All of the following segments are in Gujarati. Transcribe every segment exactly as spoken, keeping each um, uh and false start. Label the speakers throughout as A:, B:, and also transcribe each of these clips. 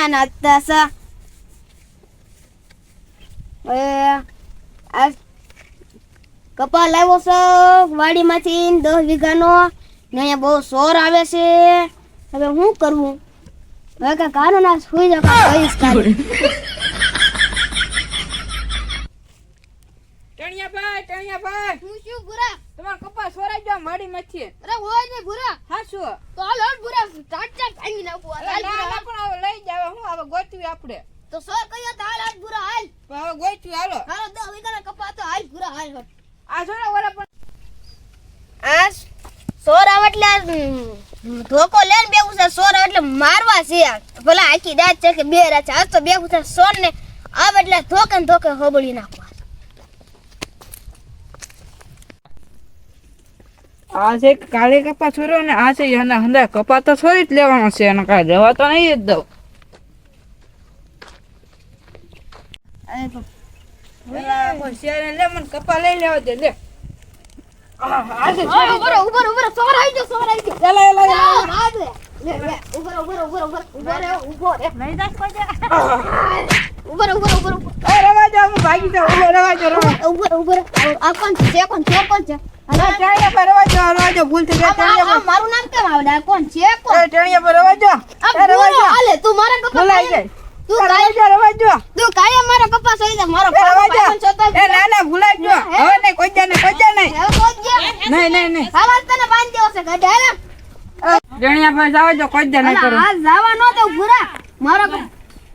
A: નાચતા સા એ આ કપા લાવ્યો છે વાડીમાંથી દસ વીઘાનો ને અહીંયા બહુ સોર આવે છે હવે શું કરવું હવે કે કાનો ના સુઈ જા કઈસ કાઢી
B: ટણિયા ભાઈ ટણિયા ભાઈ
A: હું શું ભૂરા
B: તમાર કપા સોરાઈ ગયો વાડીમાંથી
A: અરે હોય ને ભૂરા
B: હા શું
A: તો હાલ હાલ ભૂરા સ્ટાર્ટ સ્ટાર્ટ ભાંગી નાખું હાલ
B: ના
A: ભૂરા
B: ના પણ હવે લઈ જાવ હું હવે ગોતવી આપણે
A: તો સોર કયો તો હાલ હાલ ભૂરા હાલ
B: પણ હવે ગોતવી હાલો
A: હાલો દસ વીઘાના કપા તો હાલ ભૂરા હાલ હાલ
B: આ જોડા વાળા પણ
A: આ સોર આવે એટલે ધોકો લેન બેવું છે સોર આવે એટલે મારવા છે ભલા આખી દાંત છે કે બે રાત આજ તો બેવું છે સોર ને આવે એટલે ધોકે ને ધોકે હોબળી નાખવા
B: આ છે કાળે કપા છોર્યો ને આ છે એના હંદા કપા તો છોરી જ લેવાનો છે એને કાંઈ જવા તો નહીં જ દઉં કોઈ શેર લે મને કપા લઈ લેવા દે લે
A: ઉભરો ઉભરો ઉભરો સોર આવી ગયો સોર આવી ગયો
B: એલા એલા એલા
A: રાજ લે લે લે ઉભરો ઉભરો ઉભરો ઉભરો ઉભરો ઉભો રે નહીં દાસ કોઈ ઉભરો ઉભરો ઉભરો
B: એ રવા જાવ હું ભાગી જાવ ઉભો રવા જાવ રવા
A: ઉભરો ઉભરો આ કોણ છે કોણ છે કોણ છે
B: અરે ટેણિયા પર રવા જાવ રવા જાવ ભૂલ થઈ ગઈ ટેણિયા પર
A: મારું નામ કેમ આવડે આ કોણ છે કોણ
B: એ ટેણિયા પર રવા જાવ
A: આ ભૂરો હાલે તું મારા કપા
B: ભૂલાઈ ગઈ
A: તું
B: રવા
A: કાય
B: જાવ રવા જાવ
A: તું કાય મારો કપા સોઈ જા મારો
B: રવા જાવ
A: પાવન છોતા
B: એ ના ના ભૂલાઈ ગયો હવે નહીં કોઈ જા નહીં કોઈ જા નહીં
A: હે કોણ ગયા
B: નહીં નહીં નહીં
A: હાલ તને બાંધી દેવો છે ગઢા રે
B: ટેણિયા પર જાવ જો કોઈ જા નહીં કરો
A: આ જાવા નો તો ભૂરા મારો કપ-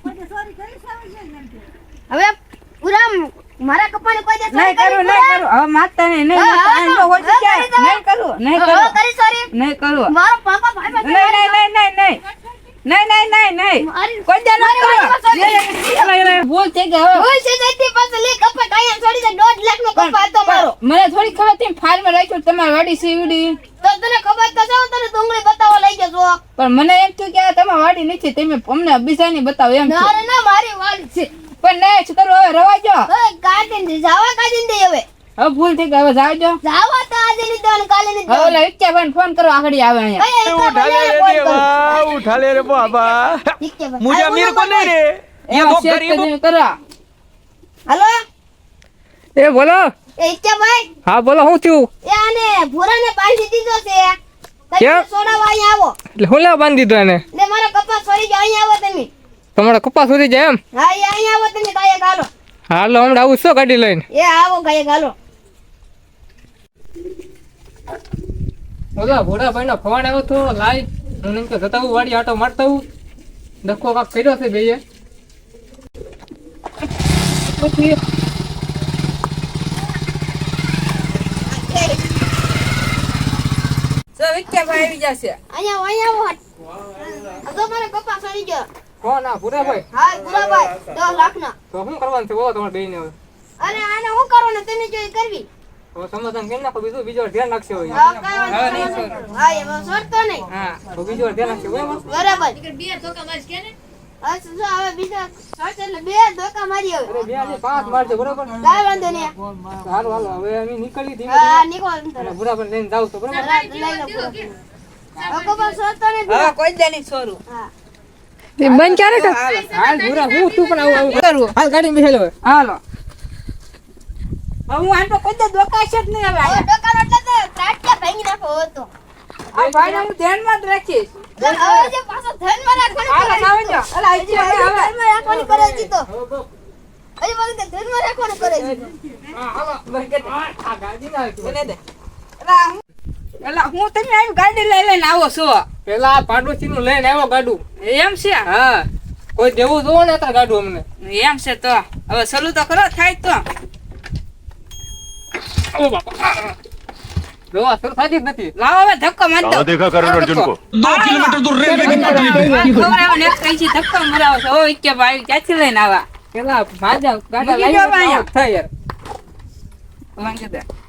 A: હવે ભૂરા મારા કપાને કોઈ દે
B: નહીં કરું નહીં કરું હવે મારતા નહીં નહીં મારતા નહીં તો હોય તો ક્યાં? નહીં કરું નહીં કરું
A: કરી સોરી
B: નહીં કરું
A: મારો પાપા ભાઈ ભાઈ
B: નહીં નહીં નહીં નહીં નહીં નહીં નહીં નહીં નહીં
A: મારી
B: કોઈ જા નહીં કરો એલા, એલા, ભૂલ થઈ ગઈ હવે
A: ઓય છે જઈતી પાસે લે કપા કાયા છોડી દે દોઢ લાખ નો કપા હતો મારો
B: મને થોડી ખબર હતી ફાર્મમાં રાખ્યું તમારી વાડી સીવડી
A: તો તને ખબર તો છે હું તને ડુંગળી બતાવવા લઈ જજો
B: પણ મને એમ થયું કે આ તમારી વાડી નથી તમે અમને બીજાની બતાવો એમ થયું.
A: મારે ના મારી વાડી છે
B: પણ નહીં શું કરું હવે રવા જો
A: હવે કાઢીને દે જાવા કાઢીને દે હવે
B: હવે ભૂલ થઈ ગઈ હવે જાવ જો
A: જાવા તો આજે ની દોન કાલે ની
B: હવે
A: દોન
B: ઓલા વિક્યાભાઈને ફોન કરો આગળ આવે અહીંયા
C: उठा ले रे देवा उठा ले रे बाबा मुझे अमीर को नहीं रे ये
B: એમાં
C: लोग
B: શેક
C: गरीब
B: કરીને કરો
A: હાલો
C: ए बोलो
A: એ ઈચ્છા ભાઈ
C: हाँ बोलो હું થયું
A: એ આને ભૂરાને બાંધી દીધો છે તમે
C: કેમ?
A: સોડાવા અહીંયા આવો
C: એટલે હું લેવા બાંધી દીધો એને
A: ને મારો કપાસ છોડી જાઓ અહીંયા આવો તમે
C: તમારા કપાસ સુધી જાય એમ
A: હા એ અહીંયા આવો તમે કાયા ગાલો
C: હાલો હમણાં આવું છો ગાડી લઈને
A: એ આવો કાયા ગાલો
C: ઓલા ભોળાભાઈ નો ફોન આવ્યો તો લાઈ હું એમ કે જતા હું વાડી આટો મારતા હું ડખો કાક કર્યો છે બેયે પછી
B: તો વિક્યાભાઈ આવી જશે
A: અહીંયા અહીંયા આવો આ તો મારો કપાસ છોડી ગયો
C: કોણ આ ભોળાભાઈ
A: હા ભૂરાભાઈ દસ લાખ ના
C: તો શું કરવાનું છે બોલો તમારે બેયને હવે
A: અરે આને હું કરો ને તમે જોઈ કરવી
C: હવે સમાધાન કરી નાખો બીજું બીજો ધ્યાન રાખશે હોય
A: હા કઈ
B: હવે
A: વાંધો
B: નહીં
A: નહીં.
B: છોડો.
A: હા એ છોડતો નહીં
B: હા
C: તો બીજો ધ્યાન રાખશે બરાબર
A: બરાબર હા શું હવે બીજા છોડ એટલે બે ધોકા મારી હવે
C: અરે બે આજે પાંચ મારજો બરાબર
A: કાઈ વાંધો નહીં
C: હાલો હાલો હવે અમે નીકળી ધીમે
A: હા
C: ધીમે
A: નીકળો અંદર.
C: અને ભૂરાભાઈ લઈને જાવ તો બરાબર
A: રાત લઈ લો પૂરો. હવે કપાસ છોડતો નહીં
B: હવે કોઈ જા નહીં છોરું
A: હા
C: બંધ ક્યારે કર હાલ ભૂરા હું તું પણ આવું આવું
B: કરવું
C: હાલ ગાડી બેસી લો
B: હાલો હવે હું આને તો કોઈ જા દોકાશે જ નહીં હવે
A: હવે
B: અહીંયા.
A: ડોકાનો એટલે તો ત્રાટક્યા ભાંગી નાખો હવે તો
B: આ ભાઈને હું ધ્યાનમાં જ રાખીશ
A: તો હવે જે પાછો ધ્યાનમાં રાખવાનું
B: હાલો
A: કરે
B: જાવ જો અલા
A: હજી
B: આઈ
A: પાછું
B: હવે
A: ધ્યાનમાં રાખવાનું કરે છે તો હજી પાછું તે ધ્યાનમાં રાખવાનું કરે છે
C: હા હાલો બરકત આ ગાડી ના આવી
B: મને દે અલા હું અલા હું તમે આવી ગાડી લઈ લઈને આવો છો
C: પેલા આ પાડોશી નું લઈને આવ્યો ગાડું
B: એમ છે
C: હા કોઈ દેવું જોવો ને તાર ગાડું અમને
B: એમ છે તો હવે સલું તો કરો થાય તો
C: ઓ બાપા જો આ સર થાતી જ નથી
B: લાવો હવે ધક્કો મારી દો
D: कहाँ देखा करण अर्जुन को
E: दो किलोमीटर दूर रेलवे की पटरी पे
B: ખવડાવો ને એક કઈ છે ધક્કો મરાવો છો ઓ કે ભાઈ ક્યાંથી લઈને આવા
C: પેલા ભાજા ગાડા
B: મૂકી દો
C: લઈને
B: અહીંયા.
C: થાય યાર
B: વાંચી દે